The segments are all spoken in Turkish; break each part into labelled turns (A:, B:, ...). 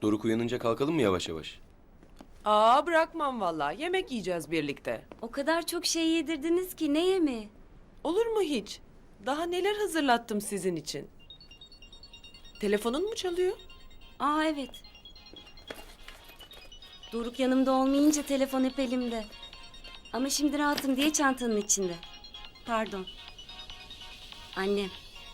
A: Doruk uyanınca kalkalım mı yavaş yavaş?
B: Aa, bırakmam vallahi. Yemek yiyeceğiz birlikte.
C: O kadar çok şey yedirdiniz ki ne yemeği?
B: Olur mu hiç? Daha neler hazırlattım sizin için. Telefonun mu çalıyor?
C: Aa evet. Doruk yanımda olmayınca telefon hep elimde. Ama şimdi rahatım diye çantanın içinde. Pardon. Annem.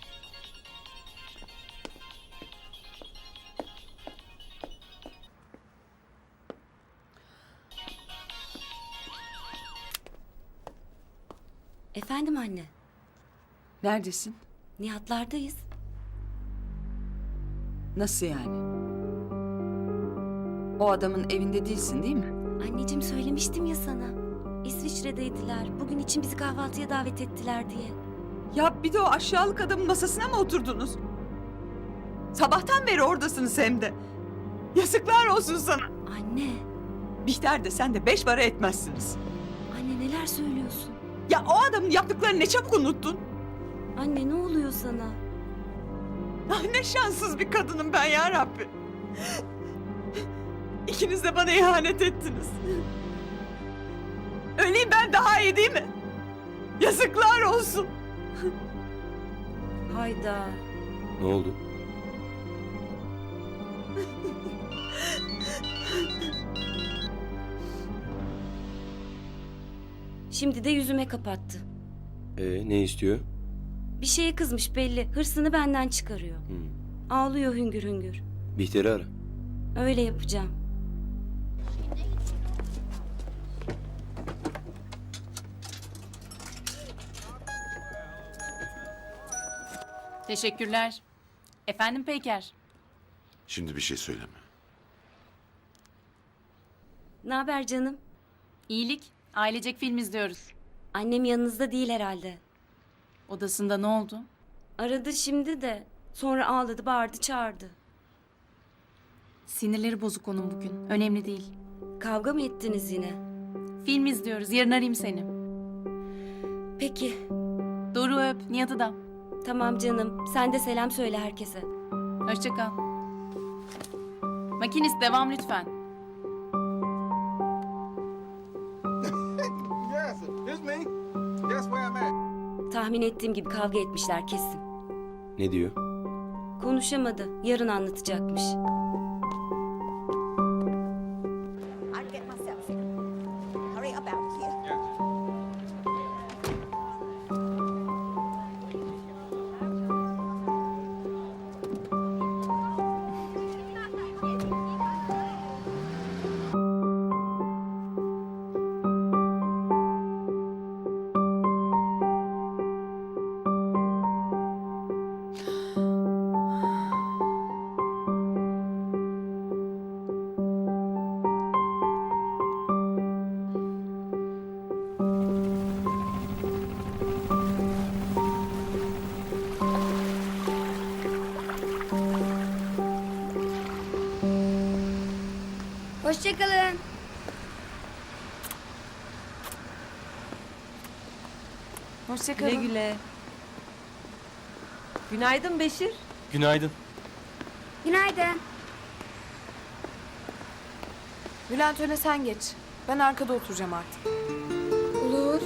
C: Efendim anne.
D: Neredesin?
C: Nihatlardayız.
D: Nasıl yani? O adamın evinde değilsin değil mi?
C: Anneciğim söylemiştim ya sana. İsviçre'deydiler. Bugün için bizi kahvaltıya davet ettiler diye.
D: Ya bir de o aşağılık adamın masasına mı oturdunuz? Sabahtan beri oradasınız hem de. Yazıklar olsun sana.
C: Anne.
D: Bihter de sen de 5 para etmezsiniz.
C: Anne neler söylüyorsun?
D: Ya o adamın yaptıklarını ne çabuk unuttun.
C: Anne ne oluyor sana?
D: Ah, ne şanssız bir kadınım ben ya Rabbi. İkiniz de bana ihanet ettiniz. Öleyim ben daha iyi değil mi? Yazıklar olsun.
C: Hayda.
A: Ne oldu?
C: Şimdi de yüzüme kapattı.
A: Ne istiyor?
C: Bir şeye kızmış belli. Hırsını benden çıkarıyor. Ağlıyor hüngür hüngür.
A: Bihter'i ara.
C: Öyle yapacağım.
E: Teşekkürler. Efendim Peyker.
F: Şimdi bir şey söyleme.
C: Ne haber canım?
E: İyilik. Ailecek film izliyoruz.
C: Annem yanınızda değil herhalde.
E: Odasında ne oldu?
C: Aradı şimdi de. Sonra ağladı, bağırdı, çağırdı.
E: Sinirleri bozuk onun bugün. Önemli değil.
C: Kavga mı ettiniz yine?
E: Film izliyoruz. Yarın arayayım seni.
C: Peki.
E: Doruk'u öp. Nihat'ı da.
C: Tamam canım. Sen de selam söyle herkese.
E: Hoşça kal. Makinist devam lütfen.
G: Yes, it's me. Guess where I'm at?
C: Tahmin ettiğim gibi kavga etmişler kesin.
A: Ne diyor?
C: Konuşamadı. Yarın anlatacakmış.
H: I'll get myself in. Hurry up out here.
I: Hoşçakalın.
B: Güle güle. Günaydın Beşir.
A: Günaydın.
I: Günaydın.
J: Bülent öne sen geç. Ben arkada oturacağım artık.
I: Olur.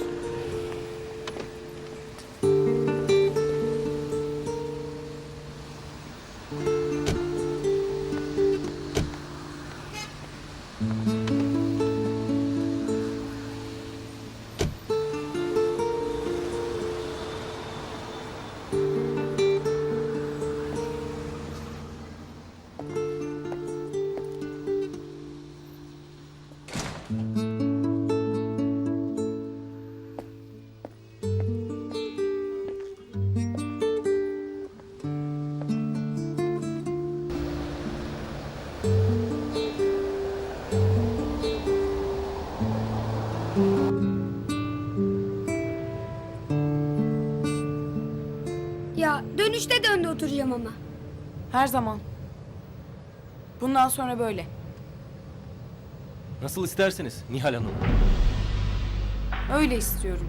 I: Ya dönüşte de önde oturacağım ama.
J: Her zaman. Bundan sonra böyle.
K: Nasıl isterseniz Nihal Hanım.
J: Öyle istiyorum.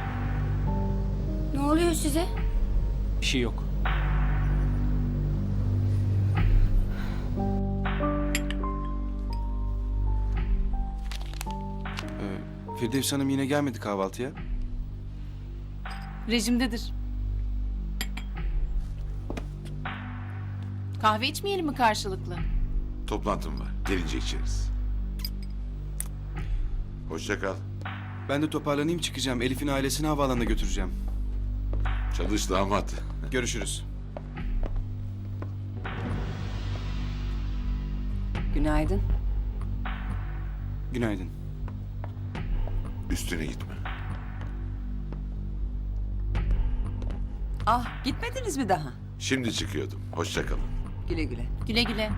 I: Ne oluyor size?
K: Bir şey yok. Firdevs Hanım yine gelmedi kahvaltıya.
E: Rejimdedir. Kahve içmeyelim mi karşılıklı?
F: Toplantım var. Gelince içeriz. Hoşça kal.
K: Ben de toparlanayım çıkacağım. Elif'in ailesini havaalanına götüreceğim.
F: Çalış damat.
K: Görüşürüz.
D: Günaydın.
K: Günaydın.
F: Üstüne gitme.
D: Ah, gitmediniz mi daha?
F: Şimdi çıkıyordum. Hoşça kalın.
D: Güle güle.
E: Güle güle.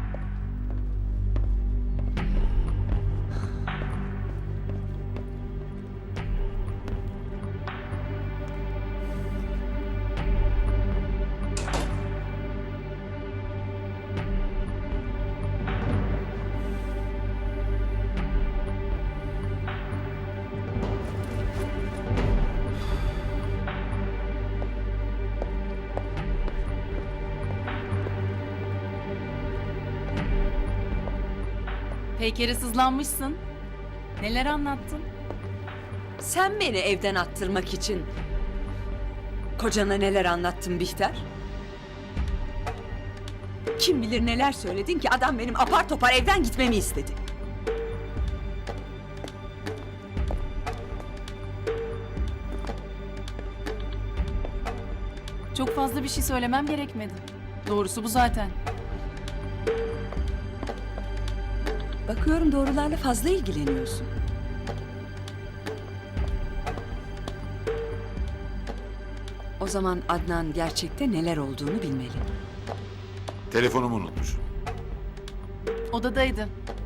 E: Peyker'e sızlanmışsın. Neler anlattın?
D: Sen beni evden attırmak için kocana neler anlattın Bihter? Kim bilir neler söyledin ki adam benim apar topar evden gitmemi istedi.
E: Çok fazla bir şey söylemem gerekmedi. Doğrusu bu zaten.
D: Bakıyorum doğrularla fazla ilgileniyorsun. O zaman Adnan gerçekte neler olduğunu bilmeli.
F: Telefonumu unutmuşum.
E: Odadaydı.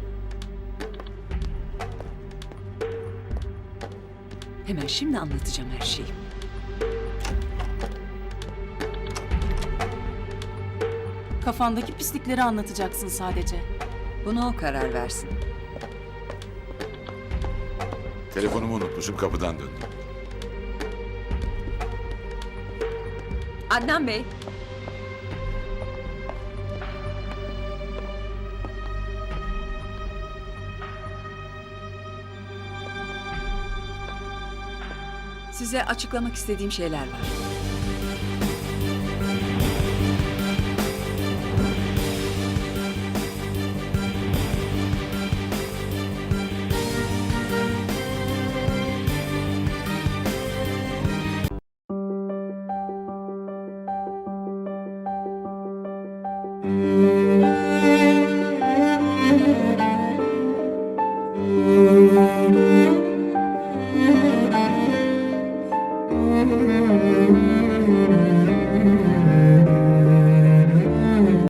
D: Hemen şimdi anlatacağım her şeyi.
E: Kafandaki pislikleri anlatacaksın sadece.
D: Buna o karar versin.
F: Telefonumu unutmuşum. Kapıdan döndüm.
D: Adnan Bey. Size açıklamak istediğim şeyler var.
I: Müzik